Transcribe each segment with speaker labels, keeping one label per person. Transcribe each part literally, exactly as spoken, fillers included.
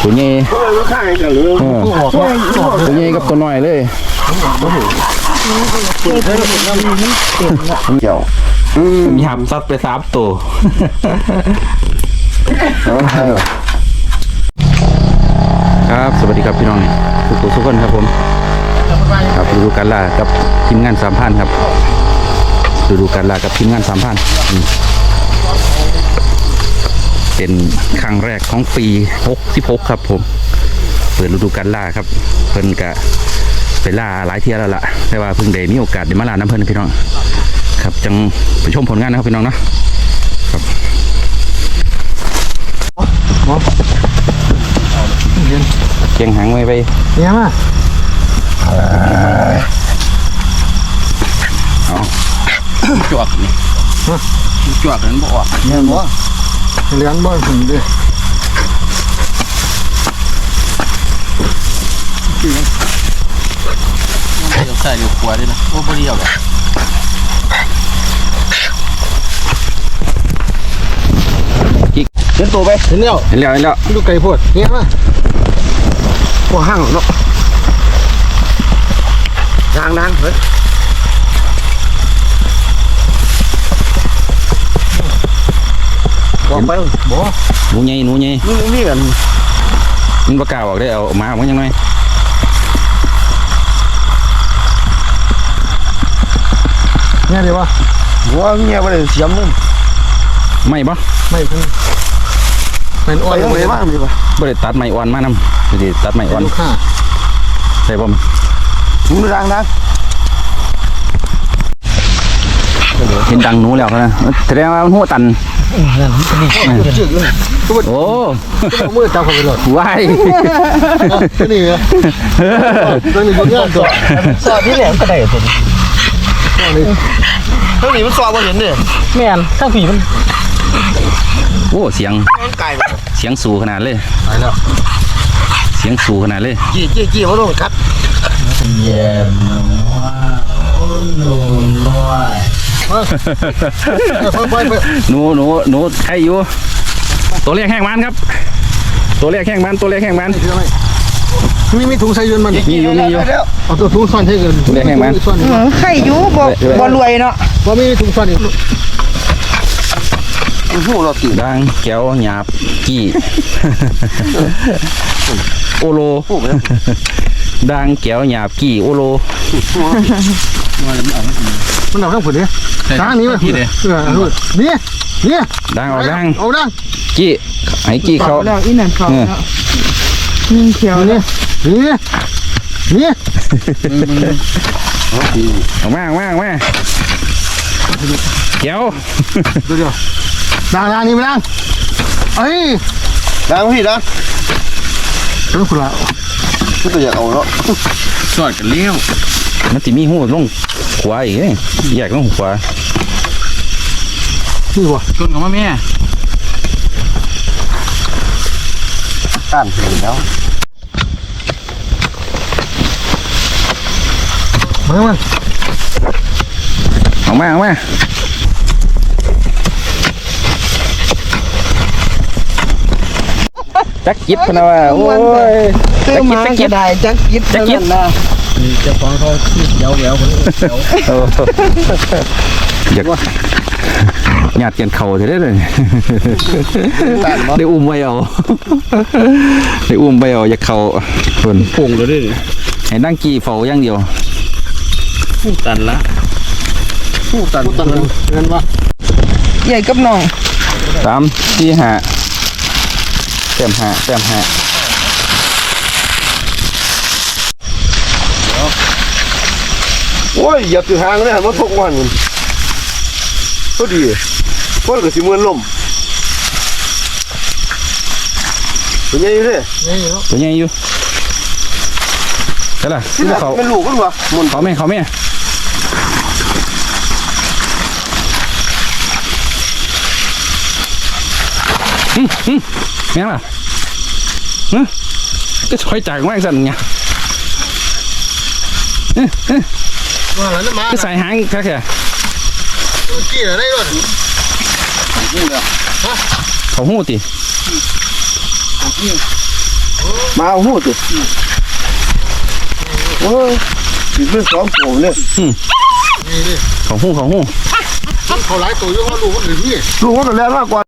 Speaker 1: ตัวใหญ่ตัวใหญ่กับตัวน้อยเลยเกี่ยวมีหับซัดไปสามตัวครับสวัสดีครับพี่น้องทุกทุกคนครับผมครับดูการล่ากับทีมงานสามพันครับดูดูการล่ากับทีมงานสามพันเป็นครั้งแรกของปีหกสิบหกครับผมเปิดฤดูการล่าครับเพิ่นกะไปล่าหลายเที่ยวแล้วล่ะแต่ว่าเพิ่งได้มีโอกาสได้มาล่าน้ำเพิ่นพี่น้องครับจังไปชมผลงานนะครับพี่น้องนะครับเกียงหางไว้ไปเนี่ยมาเอาจวกนี่จวกนั้นบ่ออกเนี่ยบ่เลี้ยงบ่ถึงดิเดี๋ยวใส่เดี๋ยวขวดด้วยนะโอ้บ่ดีเอาหรอกกิ๊กเห็นตัวไปเห็นแล้วเห็นแล้วเห็นแล้วดูไก่พวดเนี่ยมาหัวห้างเนาะดังดังเฮ้ยบอกไปบ่หนูใหญ่หนูใหญ่นี่นี่กันมันประกาศออกได้เอามามันยังไงเนี่ยดีวะหัวเมียไปเลยเสียมนึงไม่ปะไม่เพิ่งเป็นอ่อนเลยมากดีวะไม่ได้ตัดไม้อ่อนมานำไม่ได้ตัดไม้อ่อนใช่ป่ะหนูดังดังเห็นดังหนูแล้วนะแสดงว่ามันหัวตันโอ้มือจับเขาไปหลดว้ายนี่ไงตัวนี้มันเงี้ยตัวสอดที่แหลมกระไดตัวนี้ตัวนี้มันสอดบนเห็นเนี่ยแม่นข้างผีมันโอ้เสียงเสียงสูขนาดเลยเสียงสูขนาดเลยจี้จี้จี้เขาโดนกัดเย็นว่าหนูน้อยหนูหนูหนูใครอยู่ตัวเล็กแห้งมันครับตัวเล็กแห้งมันตัวเล็กแห้งมันมีมีถุงใส่ยืนมันมีอยู่มีอยู่เอาตัวถุงซ่อนใส่ยืนตัวเล็กแห้งมัน
Speaker 2: ใครอยู่บ่บ่รวยเนาะ
Speaker 1: บ่มีถุงซ่อนอีกหูเราตีดังแก้วหยาบกี้โอโลดังแก้วหยาบกี้โอโลมันเอาข้างผุดเนี่ยช้างนี้ไหมพี่เนี่ยนี่นี่ดังเอาดังเอาดังกี้ไอ้กี้เขา
Speaker 2: แล้วอีนั่นเขานิ่งเขียว
Speaker 1: นี่นี่นี่เอามาเอามาเอามาเกี่ยวดังดังนี่ไม่ดังเอ้ยดังพี่ดังต้องขุดละก็ตัวอยากเอาเนาะสอดกันเลี้ยวมันจะมีหูลงขวาอีกเนี่ยอยากลงขวานี่วะชนกับแม่ต้านถึงแล้วมามาเอามาเอามาจักจิตพนะว่าโอ้ย
Speaker 2: จักจิตจักจิตได้จักจิตจักจิตนะ
Speaker 1: เจ้าของเขาเยาว์เยาว์คนเยาว์อยากหยาดเกียนเข่าจะได้เลยได้อุ้มไว้เอาได้อุ้มไว้เอาอยากเข่าคนพุ่งเลยดิเห็นนั่งกี่เฝ้าอย่างเดียวผู้ตันละผู้ตันตันเงินวะ
Speaker 2: ใหญ่กับน้อง
Speaker 1: สามสี่ห้าแต้มห้าแต้มห้าโอ้ยอย่าตื่นหางเลยมันทุกวันมันก็ดีเพราะก็สิมือนลมตัวใหญ่อยู่เลยตัวใหญ่อยู่ใช่ล่ะเขาเป็นลูกกันวะมันเขาไม่เขาไม่อืมอืมแม่ล่ะเฮ้ยก็ช่วยจ่ายมากสั่นไงก็ใส่หางแค่แค่กี่อะไรก่อนเขาหูติ
Speaker 3: มาเอาหูสิโอ้ยติดเป็นสองตัวเนี่ย
Speaker 1: ของหูของหู
Speaker 4: เขาหลายตัวอยู่เขาลูกคนอื่นนี่
Speaker 3: ลูกมันก็แรงมากกว่า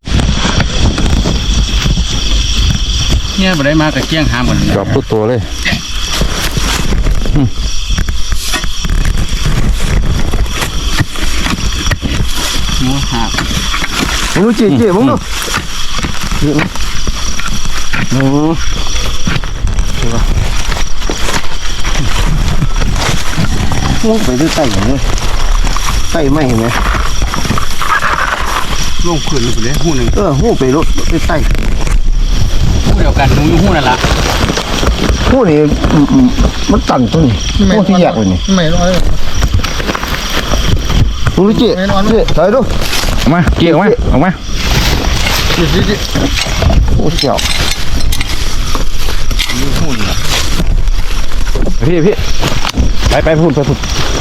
Speaker 4: เนี่ยบ่ได้มาแต่เกี้ยงหามกัน
Speaker 1: กรอบตัวตัวเลย
Speaker 4: หมูหาบ
Speaker 3: มึงดูจีจีมึงดูโอ้ลงไปด้วยไต่อย่างนี้ไต่ไม่เห็นไหม
Speaker 4: ลงพื้นไปเลยหูหนึ่ง
Speaker 3: เออหูไปรถไปไต่
Speaker 4: หูเดียวกันหนูอยู่หูนั่นละ
Speaker 3: หูนี่มันตันตัวนี้หูที่แยกเลยนี่
Speaker 4: ไม่ร้อย
Speaker 3: มึงดูจีจีถอยดู
Speaker 1: ออกมาเกี่ยวออกมาออกมา
Speaker 4: จิจิจิ
Speaker 3: โอ้เจียว
Speaker 1: พี่พี่ไปไปพูดไปพูด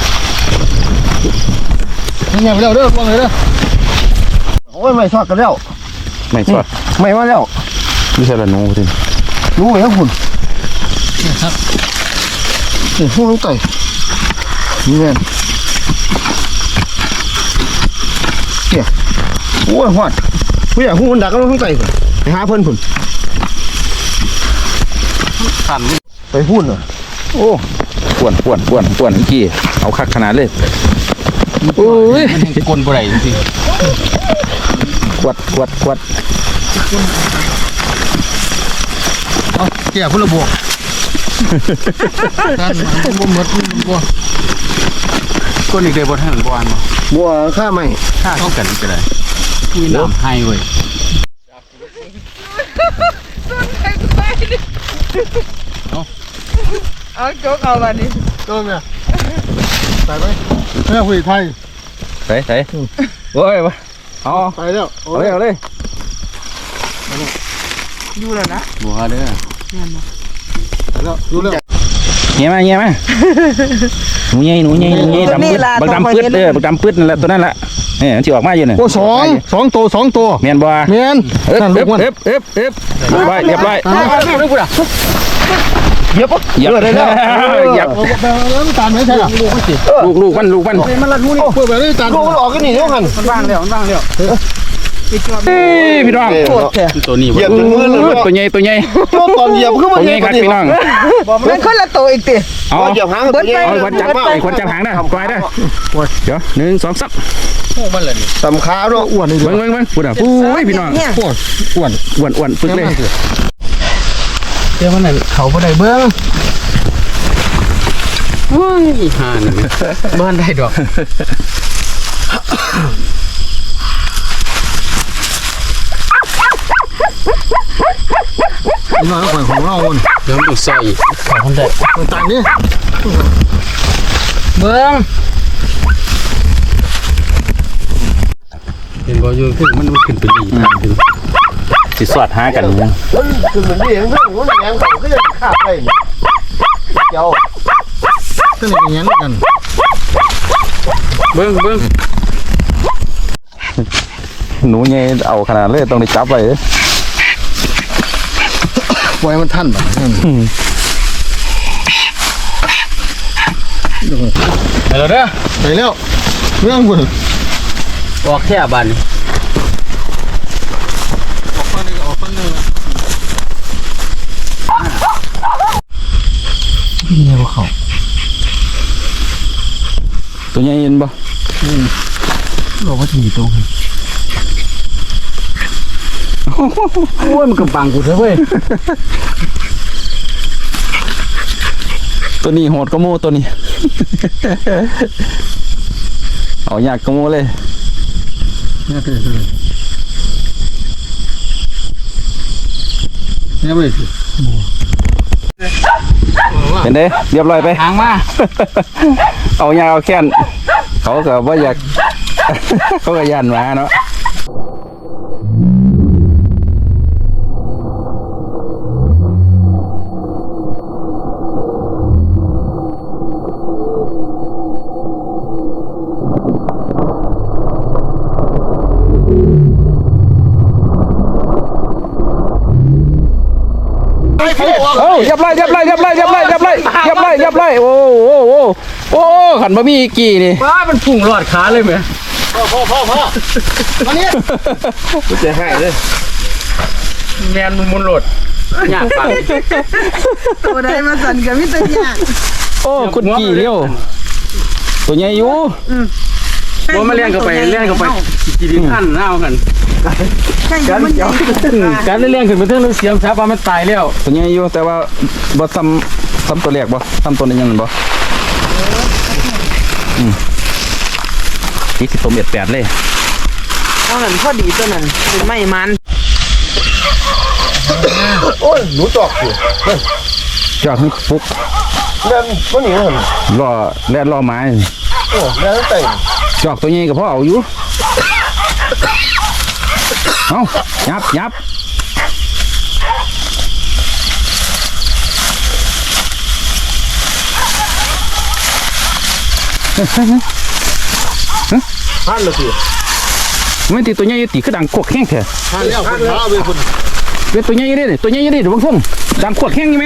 Speaker 4: นี่ไงไปเร็วเด้อลงเลยเด้อ
Speaker 3: โอ้ยไม่ทอดกันแล้ว
Speaker 1: ไม่สวด
Speaker 3: ไม่มาแล้ว
Speaker 1: ไม่ใช่ละหนูที
Speaker 3: รู้ไหมครับคุณ
Speaker 4: ครับ
Speaker 3: นี่หูต้องไต่นี่แม่เนี่ยโอ้ยหอดผู้ใหญ่หูมันดักก็ต้องไต่ไปหาเพิ่นคุณ
Speaker 4: ขัน
Speaker 3: ไปพูดเหรอ
Speaker 1: โอ้ป่วนป่วนป่วนป่วนกี่เอาคักขนาดเลยโอ้ย
Speaker 4: มันยังกลนบ่ได้จริง
Speaker 1: กวดกวดกวด
Speaker 4: ๆเอาเกี่ยพุ่นละบวกท่านมันบ่หมดมันบ่กลนอีกเด้อบ่ทันบ่อันบ่
Speaker 3: บัวข้าไม่
Speaker 4: ค่าเท่ากันก็ได้มีน้ำให้เว้ย
Speaker 2: เอาโจ๊กเอาวันนี้
Speaker 4: ต้มเนี่ยใส่ไหมแม่คุยไทย
Speaker 1: ใส่ใส่โอ้ยวะเอา
Speaker 4: ไปแล้ว
Speaker 1: เอาเลยเอาเลย
Speaker 2: ดูแล้วนะ
Speaker 4: บัวเด้อไปแล้วดูแล้ว
Speaker 1: เงี้ยมาเงี้ยมาหนูใหญ่หนูใหญ่หนูใหญ่ดำปื๊ดบักดำปื๊ดเด้อบักดำปื๊ดนั่นแหละตัวนั่นแหละเนี่ยมันจะออกมาอยู่เนี่ย
Speaker 4: โอ้สองสองตัวสองตัว
Speaker 1: เมียนบัว
Speaker 4: เมียน
Speaker 1: เอ๊บ
Speaker 4: นั่นลู
Speaker 1: เอ๊
Speaker 4: ก
Speaker 1: บ
Speaker 4: มัน
Speaker 1: เอ๊บเอ๊บเอ๊บเรียบร้อยเรียบร้อย
Speaker 4: เรื่องกูด่ะ
Speaker 3: เหยียบปะ
Speaker 1: เหยียบเลยนะเหยียบ
Speaker 4: ไปแล้วตามไม่ใช่หรอลูกมันสิ
Speaker 1: ลูกลูกมันลูกมัน
Speaker 4: มันรัดหูนี่เปิดไปเลยตาม
Speaker 3: ลูกมันออกกันนี่เท่ากัน
Speaker 4: มันว่างแล้วมันว่างแล้ว
Speaker 1: เฮ้ยพี่น้อง
Speaker 2: โคตรแท้
Speaker 4: ตัวนี้
Speaker 3: เหยียบจนมือเลย
Speaker 1: ตัวใหญ่ตัวใหญ่
Speaker 3: โจ้ตอนเหยียบขึ้น
Speaker 1: ตั
Speaker 3: มาว
Speaker 1: ใหญ่ครับพี่น้อง
Speaker 2: มันคนละตัวอีกติ
Speaker 1: เอา
Speaker 3: เหยียบหางตัวใหญ่
Speaker 1: เอาขวัญจับไอ้ขวัญจับหางนะปล่อยนะเดี๋ยวหนึ่งสองสาม
Speaker 4: พวกมันเลยนี่
Speaker 3: สำขาเนาะอ้วนนี่
Speaker 1: เบิ้งเบิ้งเบิ้งพูดอ่ะปุ้ยพี่น้อง
Speaker 2: เนี่ย
Speaker 4: พวกอ้วน
Speaker 1: อ้วนอ้วนปึ๊กเลย
Speaker 4: เจ้ามันนั่นเขาบ่ได้เบิ้งโอ้ยห่านบ้านได้ดอกน้อยกว่าของเราเดี๋ยวมันต้องใส่ของคนได้ต่างนี่เบิ้งเห็นบ่อยู่ขึ้นมันมันขึ้นไปดีขึ้น
Speaker 1: สิสอดหากันยัง
Speaker 3: คือเหมือนนี่เองเรื่องของแรงเขาก็ยังขาดไปเจ้า
Speaker 4: ขึ้นอย่างนี้กันเบิ้งเบิ้ง
Speaker 1: หนูใหญ่เอาขนาดเลยต้องได้จับไว้
Speaker 4: ปล่อยมันทันบ่ไปแล้วเด้อไปแล้วเรื่องบุญออกแค่บ้านนี่ออกฟังนึงออกฟังนึงนี่บ่เขา
Speaker 1: ตัวใหญ่เห็นบ่
Speaker 4: เราก็จะมีตรงโอ้ยมันกำปังกูเถอะเว้ย
Speaker 1: ตัวนี้โหดก็โม่ตัวนี้ เอายากก็โม่เลย
Speaker 4: เนี่ยเป็นเลยเนี่ยไม่สิ
Speaker 1: เห็นเด้เรียบร้อยไป
Speaker 4: หางมา
Speaker 1: เอายาเอาแค้นเขาก็ว่าอยาก เขาก็ยันมาเนาะเอ้าเรียบร้อยเรียบร้อยเรียบร้อยเรียบร้อยเรียบร้อยเรียบร้อยเรียบร้อยโอ้โอ้โอ้โอ้ขันบะหมี่กี่นี่
Speaker 4: ว้ามันพุ่งรอดขาเลยไหม
Speaker 3: พ่อพ่อพ่อพ่อมาเนี่ยกูจะให้เลย
Speaker 4: แมนมันมุนโหลดยากปัง
Speaker 2: ตัวใดมาสั่นกับมิตรยาก
Speaker 1: โอ้คุณกี่เลี้ยวตัวใหญ่อยู่
Speaker 4: ว่ามาเลี้ยงเข้าไปเลี้ยงเข้าไปจีดินขั้นหน้ากัน
Speaker 2: แค่ยังมันใหญ่
Speaker 4: การเลี้ยงขึ้นมาเท่านั้นเสียมช้าปลามันตายแล้ว
Speaker 1: ตัวใหญ่อยู่แต่ว่าบ่ซ้ำซ้ำตัวแรกบ่ซ้ำตัวนี้ยังบ่อืมที่สิบตัวเม็ดแปดเลย
Speaker 2: เอาหนันพอดีตัวนั้นเป็นไม่มัน
Speaker 3: โอ้ยหนูจอกอยู่
Speaker 1: จอดให้ปุ๊บ
Speaker 3: เล่นมันหนีมัน
Speaker 1: รอแล่นรอไม้
Speaker 3: โอ้เล่นเตะ
Speaker 1: จอกตัวใหญ่ก็พอเอาอยู่เอายับยับเฮ้ยเฮ้ยเฮ้ย
Speaker 3: หันเลยสิ
Speaker 1: ไม่ตีตัวใหญ่ตีคือดังขวกแห้งแท้
Speaker 3: หันแล้วหันแล้วเว้ยคุณ
Speaker 1: เป็นตัวใหญ่ดิตัวใหญ่ดิเดี๋ยวบางท่งดังขวดแห้งใช่ไหม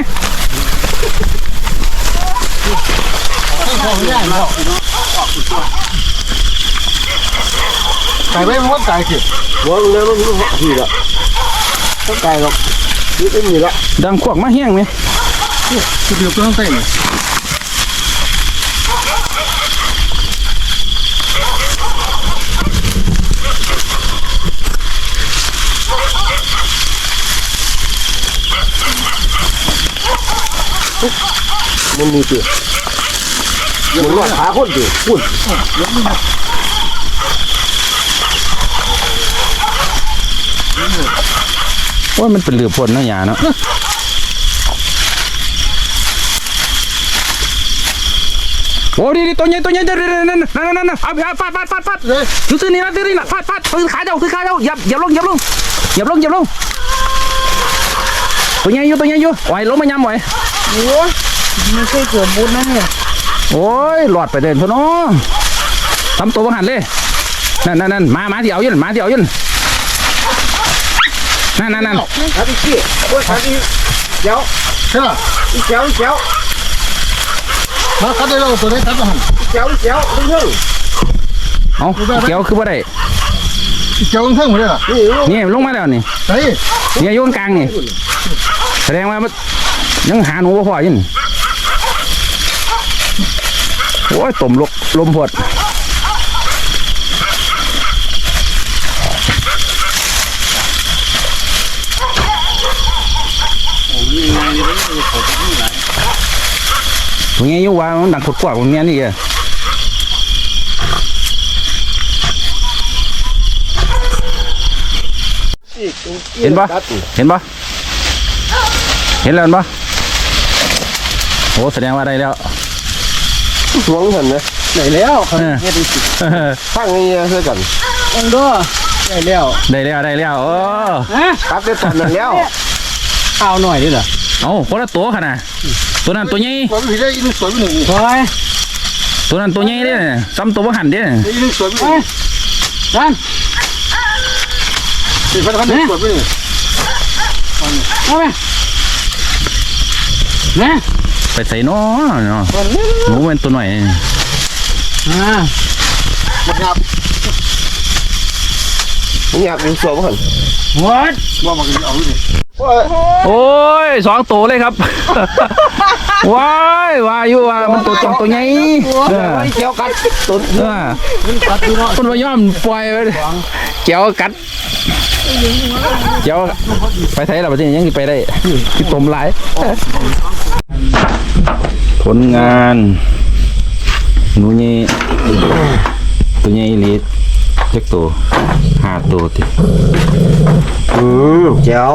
Speaker 3: ไก่ไม่มันไก่สิหัวมันเลยมันมันผีละต้องไก่หรอกนี่เป็นมีละ
Speaker 1: ดังขวดมาแห้งไหม
Speaker 3: คือเดือบต้องเตะเนี่ยมันมีตัวมันรอดขาคนดิพุ่น
Speaker 1: ว่ามันเป็นเหลือพ่นนะยาเนาะโอ้ดีดีตัวใหญ่ตัวใหญ่เดี๋ยวนั่นนั่นนั่นนั่นเอาเอาฟาดฟาดฟาดฟาดอยู่ที่นี่นะที่นี่นะฟาดฟาดถือขาเจ้าถือขาเจ้าหยับหยับลงหยับลงหยับลงหยับลงตัวใหญ่อยู่ตัวใหญ่อยู่ไหวลงมายำไหว
Speaker 2: โอ้ยไม่เคยเกิดบุญนะเนี่ย
Speaker 1: โอ้ยหลอดไปเดินเถอะเนาะทำตัวบังหันเลยนั่นนั่นนั่นมามาที่เอายืนมาที่เอายืนนั่นนั่นนั่น
Speaker 3: ขาที่ขี้โอ้ยขาที่เจ้าใช่ป่ะอีเจ้าอีเจ้ามาคัดได้แล้วตัวนี้คัดมาหันอีเจ้าอีเจ้าดึงเท่ง
Speaker 1: เอาเกี่ยวคือว่าได้
Speaker 3: อีเจ้าดึงเท่งหมดเลยล่ะนี่
Speaker 1: นี่ลงมาแล้วนี่
Speaker 3: ใช่
Speaker 1: เนี่ยโยนกลางนี่แสดงว่ามันยังหาหนูบ่พอยินโอ้ยต้มลกลมพดตรงนี้อยู่ว่ามันดังขดกว่าตรงนี้นี่แกเห็นปะเห็นปะเห็นแล้วปะโอ้แสดงว่าได้แล้ว
Speaker 3: สวงหันนะ
Speaker 4: ไหนแล้ว
Speaker 1: เออ
Speaker 3: ข้างนี้เท่ากัน
Speaker 4: องค์ด้วยได้แล้ว
Speaker 1: ได้แล้วได้แล้วโอ้
Speaker 4: ฮะ
Speaker 3: คัดได้ตอนนั้นแล้ว
Speaker 4: ข้าวหน่อยดิเหรอ
Speaker 1: เอาคนละตัวขนาดตัวนั้นตัวใหญ่
Speaker 3: ผมผิดได้ยินสวยไปหนึ่ง
Speaker 4: คอย
Speaker 1: ตัวนั้นตัวใหญ่เด้ซ้ำตัวบ่หันเด้
Speaker 3: ได้ยินสวยไปหนึ่ง
Speaker 4: นั่น
Speaker 3: สี่พันพันสวยไปหนึ่ง
Speaker 4: เอาไปนะ
Speaker 1: ไปใส่น้อเนาะหนูเป็นตัวหน่อย
Speaker 4: อ่า
Speaker 3: มันงับมันงับเป็นสวยมั้ง
Speaker 4: วัด
Speaker 3: ว่ามันเอาดิ
Speaker 1: โอ้ยสองตัวเลยครับ ว้ายว่าอยู่ว่ามันตัวตัวตัวใหญ่เออ
Speaker 3: เกี่ยวกันตุน
Speaker 1: เออคนว่ายอมปล่อยไปเกี่ยวกัดเกี่ยวไปไทยเราประเทศยังไปได้ที่ต้มหลายผลงานหนูนี่ตัวใหญ่ลีดเจ็กตัวห้าตัวติ
Speaker 3: อืมเจ้า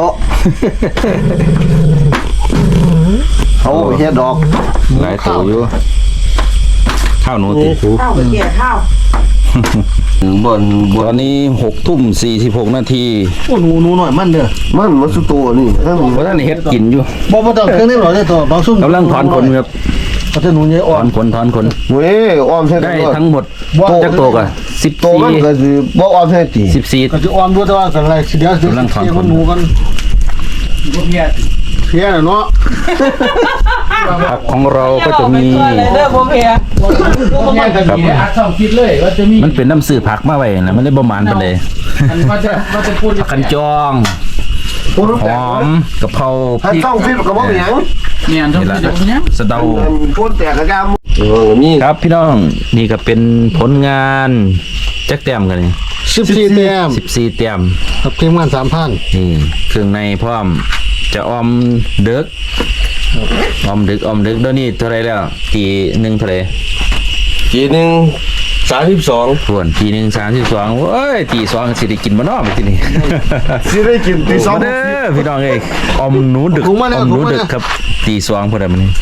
Speaker 3: เขาเฮ็ดดอก
Speaker 1: หลายตัวอยู่ข้าวหนูติ
Speaker 2: ข้าวเกี่ยข้าว
Speaker 3: บนบ
Speaker 1: ตอนนี้หกทุ่มสี่สิบหกนาที
Speaker 3: โอ้หนูหนูหน่อยมันเด้อมันมันสุดตัวนี่ทั้งนี้
Speaker 1: เพราะท่านเฮ็ดกินอยู่
Speaker 3: บ่บ่ต้องเครื่องนี้หรอกได้ตัวบางซุ่ม
Speaker 1: กำลังถอนขนครับ
Speaker 3: เขาจะหนูใหญ่
Speaker 1: ถ
Speaker 3: อ่อ
Speaker 1: อน นขนถอนขน
Speaker 3: เว้ยอ้อมใช่
Speaker 1: ได้ทั้งหมดจักโตกันสิบ
Speaker 3: โต
Speaker 1: สี่
Speaker 3: มันก็สิบ่อ้อมใช่ติ
Speaker 1: สิบสี่
Speaker 3: ก็จะอ้อมด้วยแต่ว่ากันไรสิเดียว
Speaker 1: กำลังถอนขน
Speaker 3: หนูกัน
Speaker 4: บ่เพียร
Speaker 3: เพี้ยเนาะ
Speaker 1: ผักของเราก็จะมี
Speaker 2: เด้อผมเฮีย
Speaker 4: แง่กันดีอาช่องคิดเลยว่าจะมี
Speaker 1: มันเป็นน้ำสื่อผักมาไว้นะมันได้ประมาณไปเลย
Speaker 4: มันว่าจะว่าจะพูด
Speaker 1: ผักกันจองหอมกะเพราพ
Speaker 3: ถ้า
Speaker 1: ริก
Speaker 3: ต้องฟิตกับว่าอย่าง
Speaker 4: เนี่ยต้อง
Speaker 1: นี่
Speaker 4: คิด
Speaker 1: ละ
Speaker 4: อย่างเนี้ย
Speaker 1: สะเดา
Speaker 3: พูดแต่กระยำเออมี
Speaker 1: ครับพี่น้องนี่ก็เป็นผลงานจักแต้มกันนี่
Speaker 3: สิบสี่แต้ม
Speaker 1: สิบสี่แต้ม
Speaker 3: กับทีมงานสามพัน
Speaker 1: นี่เครื่องในพร้อมจะออมเด็กออมดึกออมดึกเดี๋ยวนี้เท่าไรแล้วทีหนึ่งเท่าไร
Speaker 3: ทีหนึ่งสามสิบสอง
Speaker 1: ส่วนทีหนึ่งสามสิบสองเว้ยทีสองสิได้กินมาเนอกไปทีนี้
Speaker 3: สิได้กินตีสอง
Speaker 1: มาเด้อพี่น้องเอ้ยออมหนูดึก
Speaker 3: ถุง
Speaker 1: อ
Speaker 3: มาแล้ว
Speaker 1: อมหนู
Speaker 3: ถุงมา
Speaker 1: ดึ
Speaker 3: แล้
Speaker 1: ก
Speaker 3: ว
Speaker 1: ครับตีสองพอดีมันนี้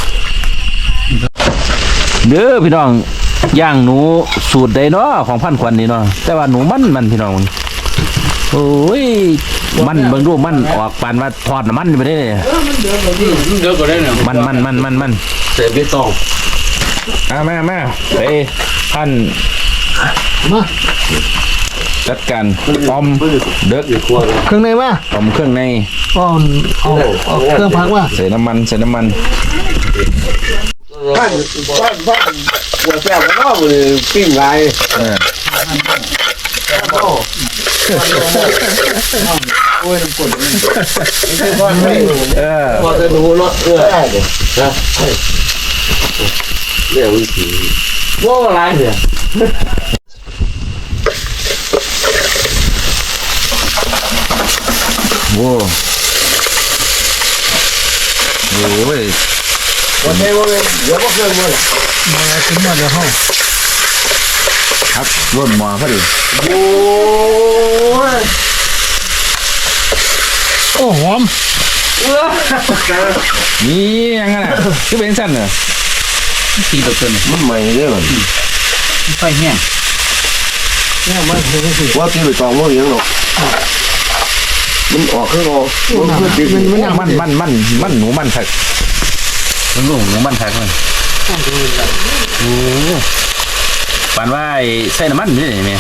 Speaker 1: เด้อพี่น้องย่างหนูสูตรใดเนาะของพันควันนี่เนาะแต่ว่าหนูมันมันพี่น้องโอ้ยมันเบิ่งดูมันออกปานว่าทอดน้ำมันไปได้เลย
Speaker 4: เดี๋ยวก็ได้เนี่ย
Speaker 1: มันมันมันมันมัน
Speaker 3: เสร็จไม่ต้อง
Speaker 1: มามามาไปพัน
Speaker 3: มา
Speaker 1: จัดการออมเด็ก
Speaker 3: เครื่องในมา
Speaker 1: ออมเครื่องใน
Speaker 3: เอาเอาเอาเครื่องพักมา
Speaker 1: ใส่น้ำมันใส่น้ำมัน
Speaker 3: บ้านบ้านบ้านหัวแซ่บก็เลยปิ้งไร
Speaker 1: เออ เออ
Speaker 3: พอจะดูเนาะเออได้เลยนะเรื่องวิธีว่าอะไรเนี่ย
Speaker 1: โว้โอ้ย
Speaker 3: วันนี้วันนี้เดี๋ยวก็เครื่องมันมาขึ้นมาเดี๋ยวห้อง
Speaker 1: ครับร่นหมอพอดี
Speaker 3: โอ้ยโอ้หอม
Speaker 1: นี่ยังไงน่ะคือเป็นสั้นเหรอตีตัวเกิน
Speaker 3: มันใหม่เด้อมัน
Speaker 4: ไฟแห้ง
Speaker 3: ว่าตีไปตองว่าอย่างหรอกมันออกข้างนอกมันเพื่อติดมัน
Speaker 1: มันมันมันมันหนูมันทักมันลูกหนูมันทักมันโอ้ปานว่าไอ้ใส่น้ำมันนี่นี่แม่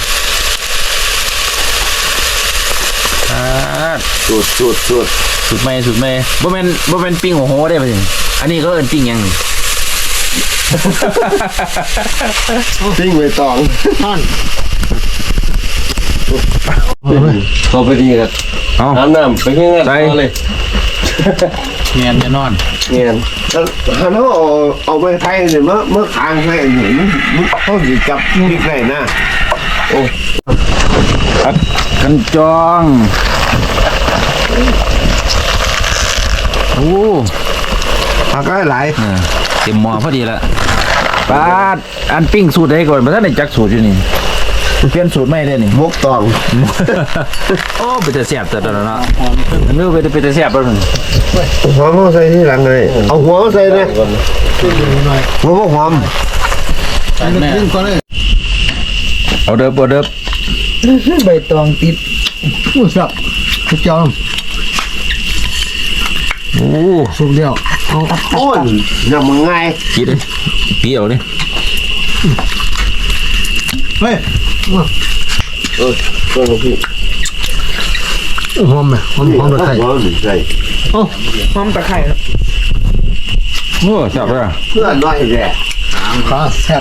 Speaker 1: อ่า
Speaker 3: สุดสุดสุด
Speaker 1: สุดไหมสุดไหมบ่แม่นบ่แม่นปิ้งโอ้โหได้ป่ะนี่อันนี้ก็เอิ้นปิ้งหยัง
Speaker 3: ติ้งไปตองท่านเขาไปดีกัน
Speaker 1: เอ้า
Speaker 3: น้ำน้ำไปเงี้ย
Speaker 1: ใส่
Speaker 3: เลย
Speaker 4: เงียนจะนอน
Speaker 3: เงี้ยแล้วฮันเขาเอาเอาไปไทยเนี่ยเมื่อเมื่อค้างให้เห็นมันเขาสิจับพริกได้นะโอ้
Speaker 1: ผักกันจองโอ้
Speaker 3: ผักก็หลาย
Speaker 1: เออเต็มหม้อพอดีละปาดอันปิ้งสูตรใดก่อนมาท่านได้จักสูตรอยู่นี่เปลี่ยนสูตรไม่ได้นี่
Speaker 3: มกตอง
Speaker 1: โอ้ไปแต่แซ่บแต่ตอนนั้นเนาะนึกไปแต่ไปแต่แซ่บแล้วนึง
Speaker 3: หัวมันใส่ที่หลังเลยเอาหัวมันใส่เลยหัวมันหอม
Speaker 4: แม่
Speaker 1: เอาเด้อเอาเด้อ
Speaker 2: ใบตองติด
Speaker 3: อู้สับทุกจอม
Speaker 1: โอ้
Speaker 3: สุกเดียวเอาโอ้ยยังมึงไง
Speaker 1: กินเลยปีเอาเลย
Speaker 3: เฮ้ยเออตัวพี่หอมไหมหอมหอมตะไคร้หอมตะไคร้โอ้
Speaker 2: หอมตะไคร้
Speaker 1: โอ้แซ่บเลย
Speaker 3: เพื่อนน้อยแย่ขาแซ่บ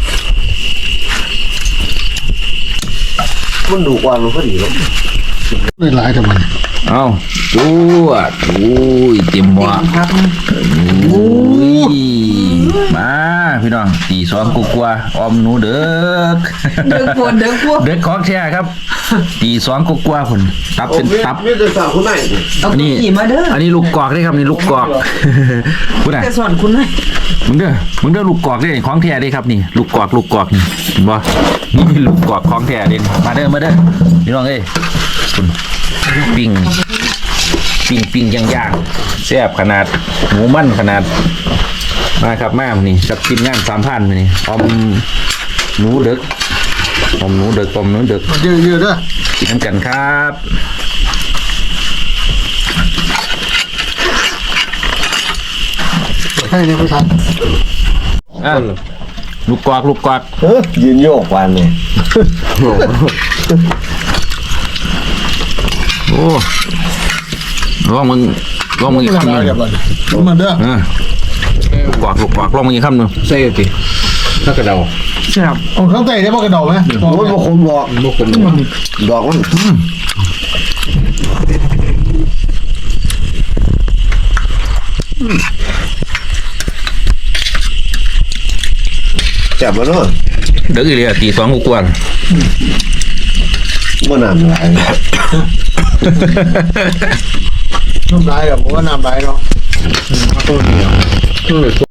Speaker 3: มันดูกว่ามันก็ดีแล้วไม่หลายทำไม
Speaker 1: เอาจูดโอ้ยเต็มหม้อ
Speaker 2: ครับ
Speaker 1: โอ้ยมาพี่น้องตีสองกว่าๆออมหนูเด้อ
Speaker 2: เดินปวดเดินปวด
Speaker 1: เด็กของแท้ครับ ตีสองกว่าๆพุ่นตับเป็นตับ
Speaker 3: มีแต่สาวคนไหน
Speaker 2: เอา
Speaker 1: อันนี้
Speaker 2: ขี่มาเด้อ
Speaker 1: อันนี้ลูกกอกนี่ครับนี่ลูกกอกพูดน่ะ
Speaker 2: จะสอนคุณให้
Speaker 1: มึงเด้อมึงเด้อลูกกอกนี่ของแท้เด้ครับนี่ ลูกกอกลูกกอกนี่เห็นบ่นี่ลูกกอกของแท้เด้มาเด้อมาเด้อพี่น้องเอ้ยคุณปิ้งปิ้งปิ้งย่างย่างแซ่บขนาดหมูมันขนาดมาครับมานี่กับทีมงานสามพันนี่ออมหนูเด็กอมหนูเด็กอมหนูเด็ก
Speaker 3: เยอะเยอะด้วย
Speaker 1: กินน้ำกันครับ
Speaker 3: ให้ในภาษา
Speaker 1: อ่ะลูกกวากลูกกวาก
Speaker 3: เออยืนโยกวันเนี่ย
Speaker 1: โอ้ระวังมึงลองมึงอีกคำหนึ่ง
Speaker 3: เดี๋ยวมันเด้อ
Speaker 1: อ่ากวากลูกกวากลองมึงอีกคำหนึ่งใส่สิถ้ากระเดา
Speaker 2: แซ่บ
Speaker 3: เอาข้างใต้ได้บ่กระดอกไหม
Speaker 4: โอ้ยบ่คมบอก
Speaker 1: ลูกผม
Speaker 4: ดอกมัน จับมาเนาะ
Speaker 1: เด็กอีเลยตีสองกว่า
Speaker 4: บ่น้ำหลาย
Speaker 3: น้ำลายแบบผมว่าน้ำลายเนาะ
Speaker 1: ตัวเดียว